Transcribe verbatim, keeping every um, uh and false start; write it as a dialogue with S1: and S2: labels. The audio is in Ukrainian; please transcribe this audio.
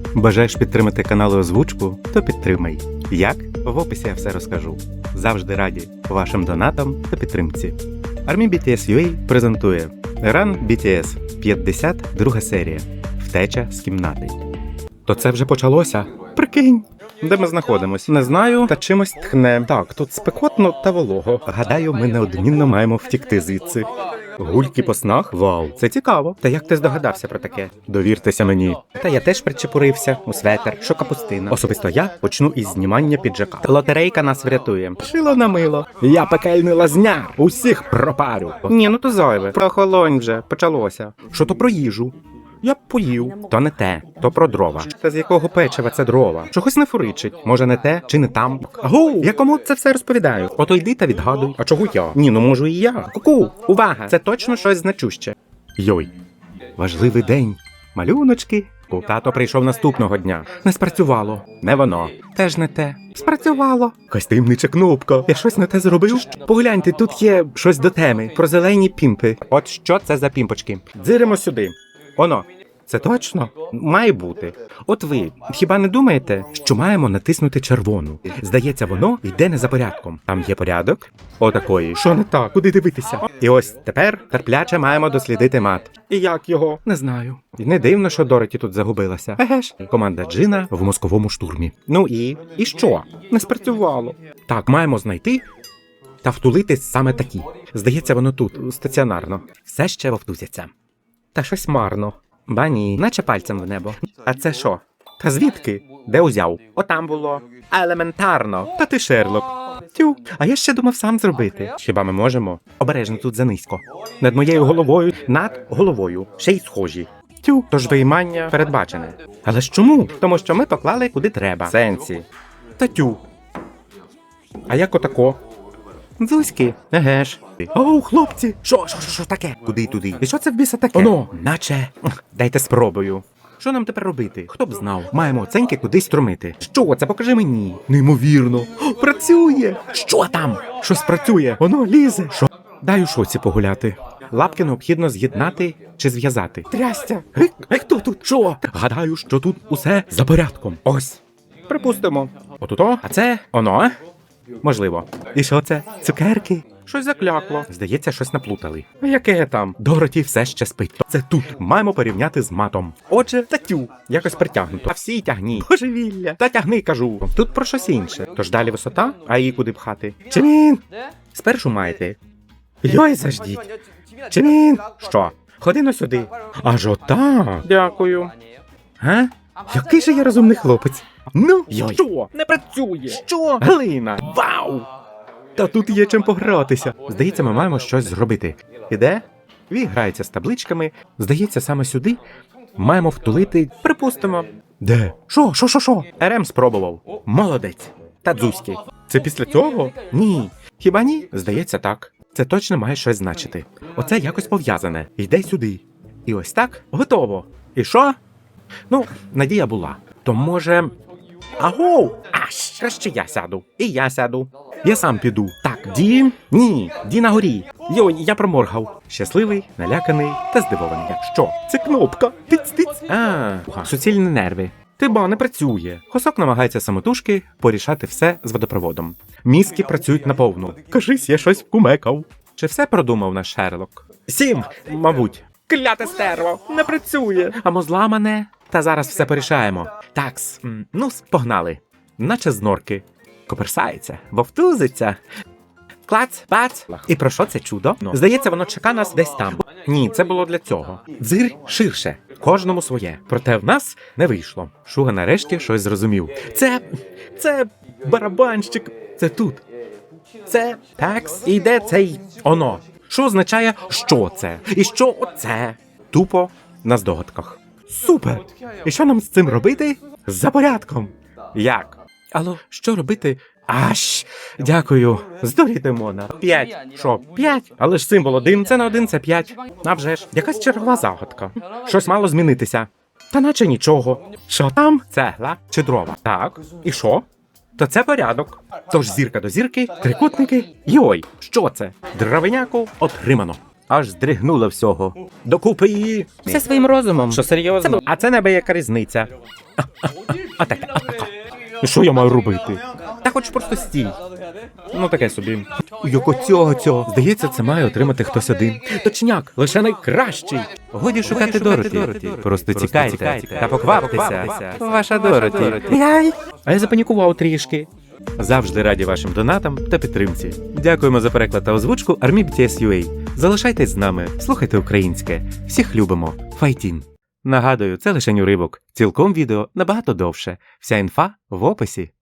S1: Бажаєш підтримати канал і озвучку? То підтримай. Як? В описі я все розкажу. Завжди раді вашим донатам та підтримці. Army бі ті ес ю ей презентує Run бі ті ес, п'ятдесят друга серія. Втеча з кімнати. То це вже почалося? Прикинь. Де ми знаходимось? Не знаю, та чимось тхне. Так, тут спекотно та волого. Гадаю, ми неодмінно маємо втікти звідси. Гульки по снах? Вау, це цікаво. Та як ти здогадався про таке? Довіртеся мені. Та я теж причепурився у светер, що капустина. Особисто я почну із знімання піджака. Лотерейка нас врятує. Шило на мило. Я пекельний лазняр. Усіх пропарю. Ні, ну то зайве. Прохолонь вже, почалося. Що то про їжу? Я б поїв. То не те, то про дрова. Та з якого печива це дрова? Чогось не фуричить. Може не те, чи не там? Агу, я кому це все розповідаю? Ото йди та відгадуй. А чого я? Ні, ну можу і я. Ку-ку, увага, це точно щось значуще. Йой, важливий день. Малюночки. Тато прийшов наступного дня. Не спрацювало. Не воно. Теж не те. Спрацювало. Якась таємнича кнопка. Я щось не те зробив? Погляньте, тут є щось до теми. Про зелені пімпи. От що це за пімпочки? Дзиримо сюди. Оно. Це точно? Має бути. От ви хіба не думаєте, що маємо натиснути червону? Здається, воно йде не за порядком. Там є порядок? Отакої. Що не так? Куди дивитися? І ось тепер терпляче маємо дослідити мат. І як його? Не знаю. І не дивно, що Дороті тут загубилася. Еге ж. Команда Джина в мозковому штурмі. Ну і? І що? Не спрацювало. Так, маємо знайти та втулити саме такі. Здається, воно тут, стаціонарно. Все ще вовтузяться. Та щось марно. Ба ні, наче пальцем в небо. А це що? Та звідки? Де узяв? Отам було. Елементарно. Та ти Шерлок. Тю, а я ще думав сам зробити. Хіба ми можемо? Обережно тут занизько. Над моєю головою, над головою. Ще й схожі. Тю, тож виймання передбачене. Але ж чому? Тому що ми поклали куди треба. Сенсі. Та тю. А як отако? Дзузьки. Еге ж. Оу, хлопці! Що, що, що, що таке? Куди туди? І що це в біса таке? Оно, наче. Дайте спробую. Що нам тепер робити? Хто б знав? Маємо оценьки кудись струмити. Що це? Покажи мені. Неймовірно. О, працює! Що там? Щось працює. Воно лізе. Що? Дай у шоці погуляти. Лапки необхідно з'єднати чи зв'язати. Трястя! Гей, хто тут? Що? Гадаю, що тут усе за порядком. Ось. Припустимо. Отуто, а це оно. Можливо. І що це? Цукерки? Щось заклякло. Здається, щось наплутали. А яке там? Дороті все ще спить. Це тут. Маємо порівняти з матом. Отже, татю. Якось притягнуто. А всі тягні. Божевілля. Та тягни, кажу. Тут про щось інше. Тож далі висота, а її куди пхати? Чимін! Спершу маєте. Йой, заждіть. Чимін! Що? Ходи но сюди. Аж отак. Дякую. Га? Який же я розумний хлопець. Ну, йой. Що? Не працює. Що? Глина. Вау! Та тут є чим погратися. Здається, ми маємо щось зробити. Іде? Ві грається з табличками. Здається, саме сюди маємо втулити. Припустимо. Де? Що? Що, що, що? РМ спробував. Молодець. Та дзузьки. Це після цього? Ні. Хіба ні? Здається, так. Це точно має щось значити. Оце якось пов'язане. Йде сюди. І ось так. Готово. І що? Ну, надія була. То може... Агоу! Аж, краще я сяду. І я сяду. Я сам піду. Так, Ді? Ні, Ді на горі. Йой, я проморгав. Щасливий, наляканий та здивований. Що? Це кнопка. Тиць-тиць. А, суцільні нерви. Ти ба, не працює. Хосок намагається самотужки порішати все з водопроводом. Мізки працюють наповну. Кажись, я щось вкумекав. Чи все продумав наш Шерлок? Сім, мабуть. Кляте стерво, не працює. Або зламане. Та зараз все порішаємо. Такс, ну, погнали. Наче з норки. Коперсається, вовтузиться. Клац, бац. І про що це чудо? Здається, воно чека нас десь там. Ні, це було для цього. Дзир ширше. Кожному своє. Проте в нас не вийшло. Шуга нарешті щось зрозумів. Це... це... барабанщик. Це тут. Це... такс. І йде цей... оно. Що означає, що це? І що оце? Тупо на здогадках. Супер! І що нам з цим робити? За порядком. Як? Алло, що робити? Аж, дякую. Здуріти Мона. П'ять. Що, п'ять? Але ж символ один, це на один, це п'ять. А вже ж, якась чергова загадка. Щось мало змінитися. Та наче нічого. Що там? Цегла чи дрова? Так. І що? То це порядок. Тож зірка до зірки, трикутники. Йой, що це? Дровиняку отримано. аж здригнуло всього. Докупи її! Все своїм розумом. Що серйозно? А це небияка різниця. Отаке, отаке. Що я маю робити? Та хоч просто стій. Ну таке собі. Як оцього цього. Здається, це має отримати хтось один. Точняк, лише найкращий. Годі шукати Дороті. Просто тікайте та покваптеся. Ваша Дороті. А я запанікував трішки. Завжди раді вашим донатам та підтримці. Дякуємо за переклад та озвучку ArmyBTS.ua. Залишайтесь з нами, слухайте українське. Всіх любимо. Файтін. Нагадую, це лише уривок. Цілком відео набагато довше. Вся інфа в описі.